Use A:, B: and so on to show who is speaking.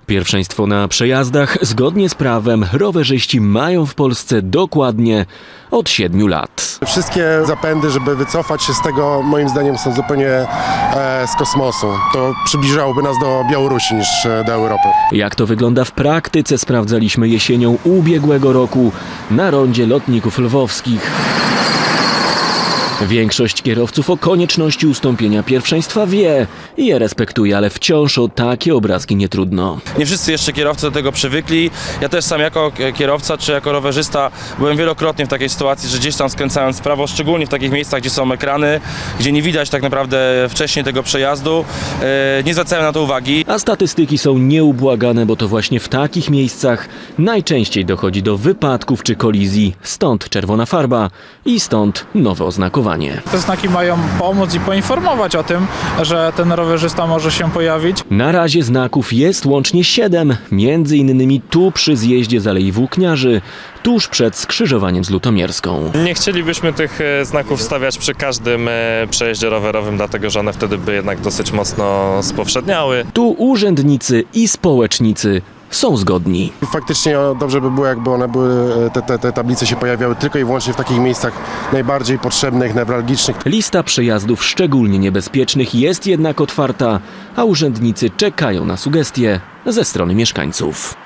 A: Pierwszeństwo na przejazdach zgodnie z prawem rowerzyści mają w Polsce dokładnie od 7 lat.
B: Wszystkie zapędy, żeby wycofać się z tego, moim zdaniem są zupełnie z kosmosu. To przybliżałoby nas do Białorusi niż do Europy.
A: Jak to wygląda w praktyce, sprawdzaliśmy jesienią ubiegłego roku na rondzie lotników lwowskich. Większość kierowców o konieczności ustąpienia pierwszeństwa wie i je respektuje, ale wciąż o takie obrazki nie trudno.
C: Nie wszyscy jeszcze kierowcy do tego przywykli. Ja też sam jako kierowca czy jako rowerzysta byłem wielokrotnie w takiej sytuacji, że gdzieś tam skręcając w prawo, szczególnie w takich miejscach, gdzie są ekrany, gdzie nie widać tak naprawdę wcześniej tego przejazdu, nie zwracałem na to uwagi.
A: A statystyki są nieubłagane, bo to właśnie w takich miejscach najczęściej dochodzi do wypadków czy kolizji. Stąd czerwona farba i stąd nowe oznakowanie.
D: Te znaki mają pomóc i poinformować o tym, że ten rowerzysta może się pojawić.
A: Na razie znaków jest łącznie 7, między innymi tu przy zjeździe z Alei Włókniarzy, tuż przed skrzyżowaniem z Lutomierską.
E: Nie chcielibyśmy tych znaków stawiać przy każdym przejeździe rowerowym, dlatego że one wtedy by jednak dosyć mocno spowszedniały.
A: Tu urzędnicy i społecznicy są zgodni.
B: Faktycznie dobrze by było, jakby one były, te tablice się pojawiały tylko i wyłącznie w takich miejscach najbardziej potrzebnych, newralgicznych.
A: Lista przejazdów szczególnie niebezpiecznych jest jednak otwarta, a urzędnicy czekają na sugestie ze strony mieszkańców.